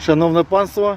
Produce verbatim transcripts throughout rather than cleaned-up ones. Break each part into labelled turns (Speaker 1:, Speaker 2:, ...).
Speaker 1: Шановне панство,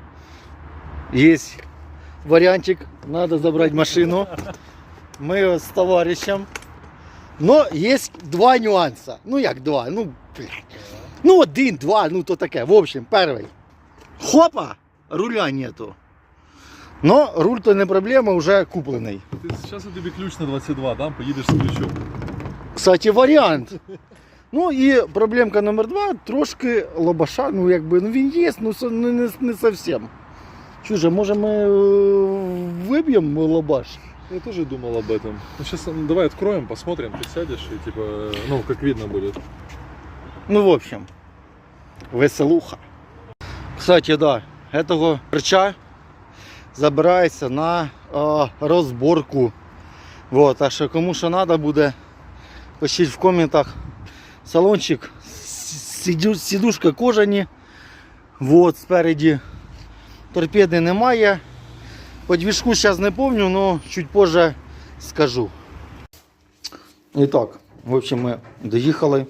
Speaker 1: есть вариантик, надо забрать машину. Мы с товарищем. Но есть два нюанса. Ну як два? Ну, ну один, два, ну то таке. В общем, перший. Хопа! Руля нету. Но руль то не проблема, уже куплений.
Speaker 2: Сейчас я тебе ключ на двадцять два дам, поїдеш з ключом.
Speaker 1: Кстати, варіант. Ну і проблемка номер два, трошки лобаша, ну якби, ну він є, ну не, не, не совсем. Чуже, може ми э, виб'ємо лобаш?
Speaker 2: Я тоже думал об этом. Ну, сейчас ну, давай откроем, посмотрим, ты сядешь и типа, ну, как видно будет.
Speaker 1: Ну, в общем, веселуха. Кстати, да, этого рыча забирається на э, розборку. Вот, так що кому що треба буде, пишіть в коментах. Салончик, сиду, сидушка кожані. Вот, спереді торпеди немає. По движку зараз не помню, но чуть позже скажу. І так, в общем, ми доїхали.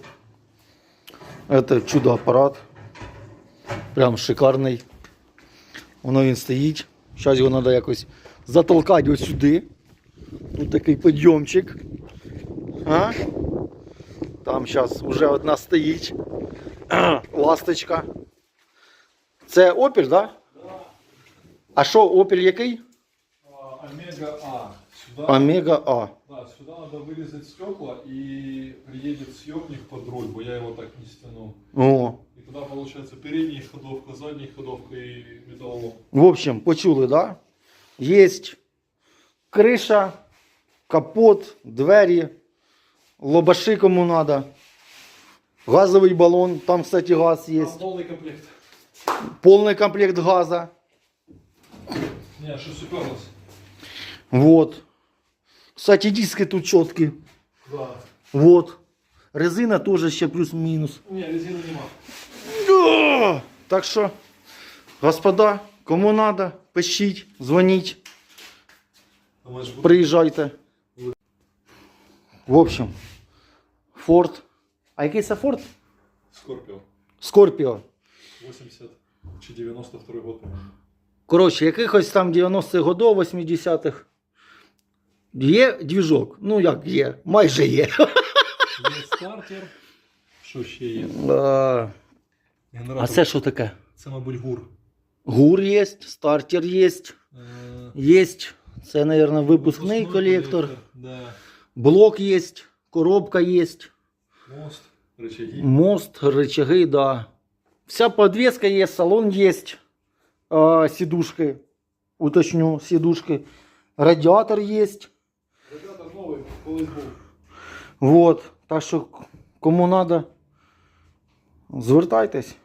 Speaker 1: Это чудо-апарат. Прям шикарний. Воно він стоїть. Зараз його треба якось затолкати ось сюди. Тут такий підйомчик. А? Там зараз вже одна стоїть. Ласточка. Це Opel, да? А що, Opel який?
Speaker 2: Омега А. Сюда,
Speaker 1: Омега А.
Speaker 2: да, сюда надо вырезать стекла и приедет съемник под руль, бо я его так не стянул.
Speaker 1: О.
Speaker 2: И туда получается передняя ходовка, задняя ходовка и металлолом.
Speaker 1: В общем, почули, да? Есть криша, капот, двері, лобаши кому надо, газовый баллон, там, кстати, газ
Speaker 2: Там
Speaker 1: есть,
Speaker 2: полный комплект.
Speaker 1: полный комплект газа.
Speaker 2: Не, что уперлось?
Speaker 1: Вот. Кстати, диски тут четкие.
Speaker 2: Да.
Speaker 1: Вот. Резина тоже еще плюс-минус.
Speaker 2: Не, резины нема.
Speaker 1: Да! Так что, господа, кому надо, пишіть, дзвоніть,
Speaker 2: Думаешь, буду?
Speaker 1: приїжджайте. В общем, Ford. А який це Ford?
Speaker 2: Скорпио.
Speaker 1: Scorpio.
Speaker 2: восемьдесят чи девяносто второй год, по-моему.
Speaker 1: Коротше, якихось там дев'яностих годов, восьмидесятих. Є двіжок. Ну як є, майже є.
Speaker 2: Є стартер. Що ще є?
Speaker 1: А,
Speaker 2: Генератор.
Speaker 1: а це що таке?
Speaker 2: Це, мабуть, гур.
Speaker 1: Гур є, стартер є.
Speaker 2: Е,
Speaker 1: Є. Це, мабуть, випускний колектор.
Speaker 2: Да.
Speaker 1: Блок є, коробка є.
Speaker 2: Мост, рычаги.
Speaker 1: Мост, рычаги, да. Вся подвеска є, салон є. А, сидушки. Уточню, сидушки. Радіатор є.
Speaker 2: Радиатор новий, колись був.
Speaker 1: Вот. Так що, кому надо, звертайтесь.